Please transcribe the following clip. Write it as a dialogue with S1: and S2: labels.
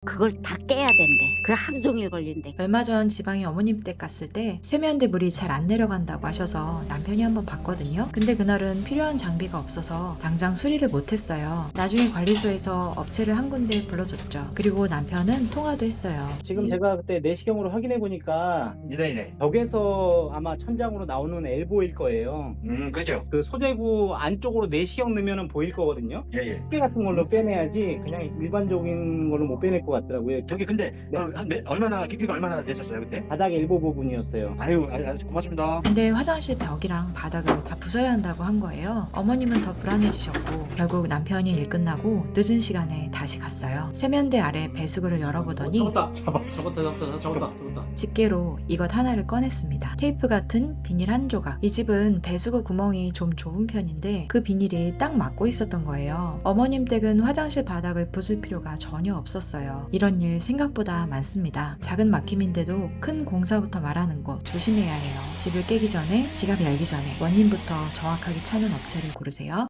S1: 그걸 다 깨야 된대. 그래 하루 종일 걸린대.
S2: 얼마 전 지방에 어머님 댁 갔을 때 세면대 물이 잘 안 내려간다고 하셔서 남편이 한번 봤거든요. 근데 그날은 필요한 장비가 없어서 당장 수리를 못했어요. 나중에 관리소에서 업체를 한 군데 불러줬죠. 그리고 남편은 통화도 했어요.
S3: 지금 제가 그때 내시경으로 확인해 보니까
S4: 네네.
S3: 벽에서 아마 천장으로 나오는 엘보일 거예요.
S4: 그죠.
S3: 그 소재구 안쪽으로 내시경 넣으면 보일 거거든요.
S4: 예예.
S3: 습기 같은 걸로 빼내야지 그냥 일반적인 걸로 못 빼낼 것 같더라고요.
S4: 저기 근데
S3: 네.
S4: 얼마나 깊이가 얼마나 됐었어요 그때?
S3: 바닥 엘보 부분이었어요.
S4: 아유, 고맙습니다.
S2: 근데 화장실 벽이랑 바닥을 다 부숴야 한다고 한 거예요. 어머님은 더 불안해지셨고 결국 남편이 일 끝나고 늦은 시간에 다시 갔어요. 세면대 아래 배수구를 열어보더니
S3: 잡았다. 잡았다.
S2: 집게로 이것 하나를 꺼냈습니다. 테이프 같은 비닐 한 조각. 이 집은 배수구 구멍이 좀 좁은 편인데 그 비닐이 딱 맞고 있었던 거예요. 어머님 댁은 화장실 바닥을 부술 필요가 전혀 없었어요. 이런 일 생각보다 많습니다. 작은 막힘인데도 큰 공사부터 말하는 거 조심해야 해요. 집을 깨기 전에, 지갑 열기 전에 원인부터 정확하게 찾는 업체를 고르세요.